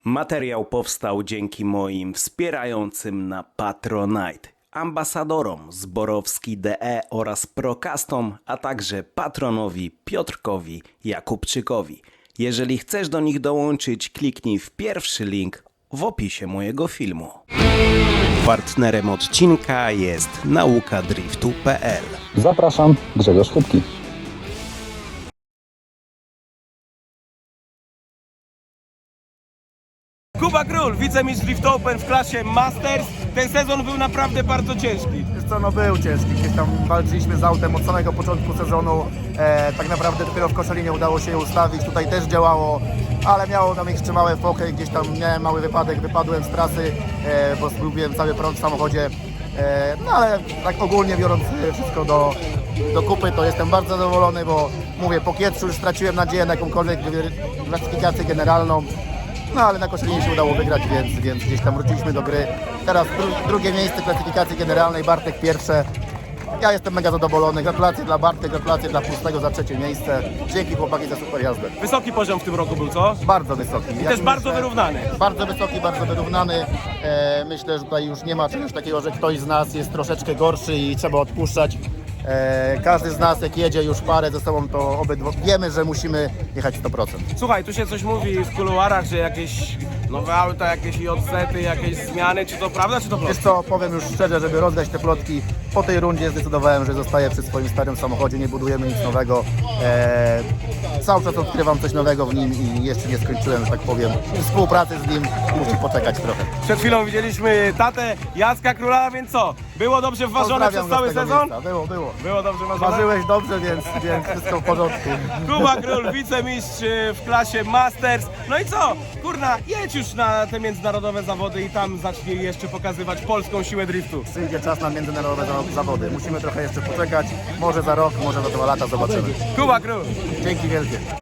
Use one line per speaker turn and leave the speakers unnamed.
Materiał powstał dzięki moim wspierającym na Patronite, ambasadorom Zborowski.de oraz Procastom, a także patronowi Piotrkowi Jakubczykowi. Jeżeli chcesz do nich dołączyć, kliknij w pierwszy link w opisie mojego filmu. Partnerem odcinka jest naukadriftu.pl.
Zapraszam, Grzegorz Chybki.
Kuba Król, wicemistrz Drift Open w klasie Masters. Ten sezon był naprawdę bardzo ciężki.
Wiesz co, no był ciężki, gdzieś tam walczyliśmy z autem od samego początku sezonu, tak naprawdę dopiero w Koszalinie udało się je ustawić, tutaj też działało, ale miało tam jeszcze małe fokę, gdzieś tam miałem mały wypadek, wypadłem z trasy, bo zgubiłem cały prąd w samochodzie, no ale tak ogólnie biorąc wszystko do kupy, to jestem bardzo zadowolony, bo mówię, po Kietrzu już straciłem nadzieję na jakąkolwiek klasyfikację generalną. No ale na Koszalinie się udało wygrać, więc gdzieś tam wróciliśmy do gry. Teraz drugie miejsce klasyfikacji generalnej, Bartek pierwsze. Ja jestem mega zadowolony. Gratulacje dla Bartek, gratulacje dla Pustego za trzecie miejsce. Dzięki chłopaki za super jazdę.
Wysoki poziom w tym roku był, co?
Bardzo wysoki.
I też bardzo wyrównany.
Bardzo wysoki, bardzo wyrównany. Myślę, że tutaj już nie ma czegoś takiego, że ktoś z nas jest troszeczkę gorszy i trzeba odpuszczać. Każdy z nas jak jedzie już parę ze sobą, to obydwo wiemy, że musimy jechać 100%.
Słuchaj, tu się coś mówi w kuluarach, że jakieś nowe auta, jakieś JZ-y, jakieś zmiany. Czy to prawda, czy to
Wiesz
plotka?
co, powiem już szczerze, żeby rozdać te plotki, po tej rundzie zdecydowałem, że zostaję przy swoim starym samochodzie, nie budujemy nic nowego. Cały czas odkrywam coś nowego w nim i jeszcze nie skończyłem, że tak powiem, współpracy z nim, musi poczekać trochę.
Przed chwilą widzieliśmy tatę Jacka Króla, więc co? Było dobrze wważone
Pozdrawiam
przez
go
cały
z tego
sezon?
miejsca. Było.
Było dobrze ważone?
Ważyłeś dobrze, więc wszystko w porządku.
Kuba Król, wicemistrz w klasie Masters. No i co? Kurna, jedź już na te międzynarodowe zawody i tam zacznij jeszcze pokazywać polską siłę driftu.
Przyjdzie czas na międzynarodowe zawody. Musimy trochę jeszcze poczekać. Może za rok, może za 2 lata zobaczymy.
Kuba Król.
Dzięki wielkie.